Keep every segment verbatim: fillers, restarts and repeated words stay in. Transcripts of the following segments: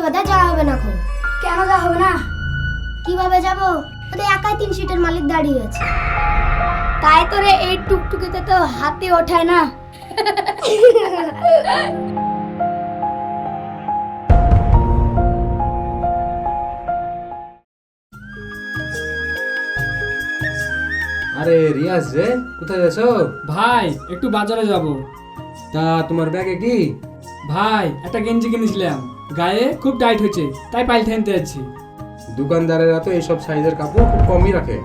বাদে যাওয়া হবে না এখন। কেন যাওয়া হবে না? কিভাবে যাব? ওদের একাই তিন সিটের মালিক দাঁড়িয়ে আছে। তাই তোরে এই টুকটুকিতে তো হাতে ওঠায় না। আরে রিয়াজ রে, কোথায় যাচ্ছো? ভাই একটু বাজারে যাব। তা তোমার ব্যাগে কি? ভাই একটা গেঞ্জি কিনেছিলাম, গায়ে খুব টাইট হয়েছে, তাই পাল্টে আনতে যাচ্ছি। দোকানদারেরা তো এইসব সাইজের কাপড় খুব কমই রাখে।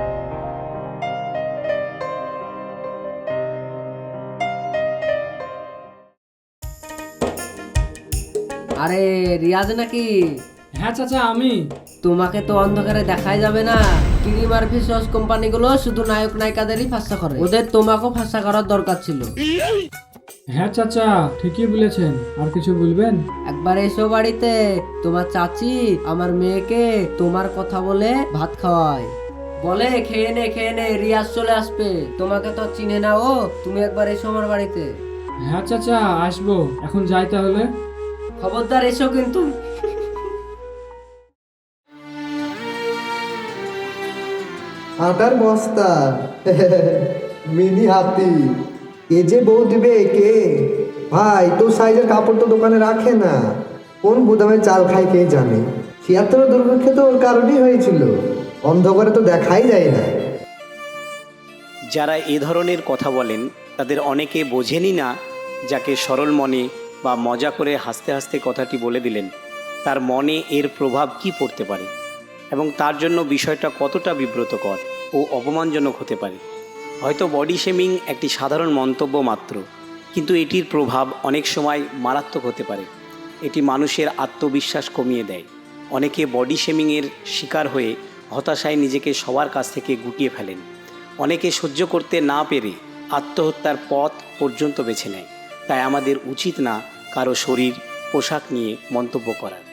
আরে রিয়াজ নাকি? হ্যাঁ চাচা আমি। তোমাকে তো অন্ধকারে দেখাই যাবে না। ক্রিম আর ফেসওয়াশ কোম্পানিগুলো শুধু নায়ক নায়িকাদেরই ফাঁসা করে, ওদের তোমাকেও ফাঁসা করার দরকার ছিল। হ্যাঁ চাচা ঠিকই বলেছেন, আর কিছু বলবেন? একবার এসো বাড়িতে, তোমার চাচি আমার মেয়েকে তোমার কথা বলে ভাত খাওয়ায়, বলে খেয়ে নে খেয়ে নে, রিয়াজ চলে আসবে। তোমাকে তো চিনে না ও, তুমি একবার এসো আমার বাড়িতে। হ্যাঁ চাচা আসবো, এখন যাই তাহলে। খবরদার এসো কিন্তু। আটার বস্তা, মিনি হাতি, এ যে বউ দিবে কে? ভাই তো সাইজের কাপড় তো দোকানে রাখে না, কোন গুদামে চাল খায় কে জানে। ছিয়াত্তর দুর্ভিক্ষ তো ওর কারণেই হয়েছিল, অন্ধকারে তো দেখাই যায় না। যারা এ ধরনের কথা বলেন তাদের অনেকে বোঝেনই না, যাকে সরল মনে বা মজা করে হাসতে হাসতে কথাটি বলে দিলেন তার মনে এর প্রভাব কি পড়তে পারে এবং তার জন্য বিষয়টা কতটা বিব্রতকর ও অপমানজনক হতে পারে। হয়তো বডি শেমিং একটি সাধারণ মন্তব্য মাত্র, কিন্তু এটির প্রভাব অনেক সময় মারাত্মক হতে পারে। এটি মানুষের আত্মবিশ্বাস কমিয়ে দেয়। অনেকে বডি শেমিংয়ের শিকার হয়ে হতাশায় নিজেকে সবার কাছ থেকে গুটিয়ে ফেলেন। অনেকে সহ্য করতে না পেরে আত্মহত্যার পথ পর্যন্ত বেছে নেয়। তাই আমাদের উচিত না কারো শরীর, পোশাক নিয়ে মন্তব্য করার।